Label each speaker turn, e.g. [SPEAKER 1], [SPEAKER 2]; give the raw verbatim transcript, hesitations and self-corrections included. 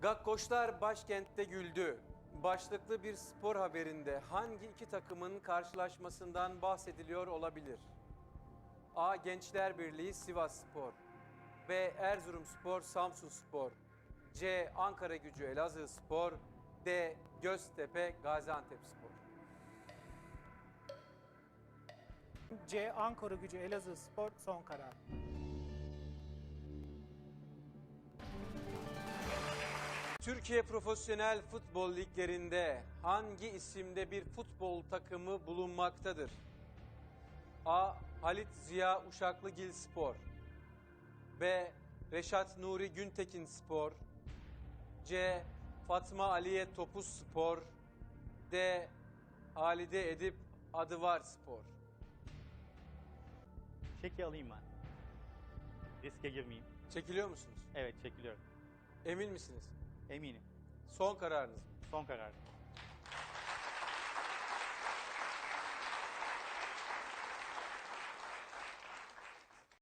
[SPEAKER 1] Gakkoşlar başkentte güldü. Başlıklı bir spor haberinde hangi iki takımın karşılaşmasından bahsediliyor olabilir? A. Gençler Birliği Sivasspor, B. Erzurumspor Samsunspor, C. Ankaragücü Elazığspor, D. Göztepe Gaziantepspor.
[SPEAKER 2] C. Ankaragücü Elazığspor son karar.
[SPEAKER 1] Türkiye Profesyonel Futbol Liglerinde hangi isimde bir futbol takımı bulunmaktadır? A. Halit Ziya Uşaklıgil Spor, B. Reşat Nuri Güntekin Spor, C. Fatma Aliye Topuz Spor, D. Halide Edip Adıvar Spor.
[SPEAKER 3] Çeki alayım ben. Riske girmeyeyim.
[SPEAKER 1] Çekiliyor musunuz?
[SPEAKER 3] Evet, çekiliyorum.
[SPEAKER 1] Emin misiniz?
[SPEAKER 3] Eminim.
[SPEAKER 1] Son kararınız mı?
[SPEAKER 3] Son karar.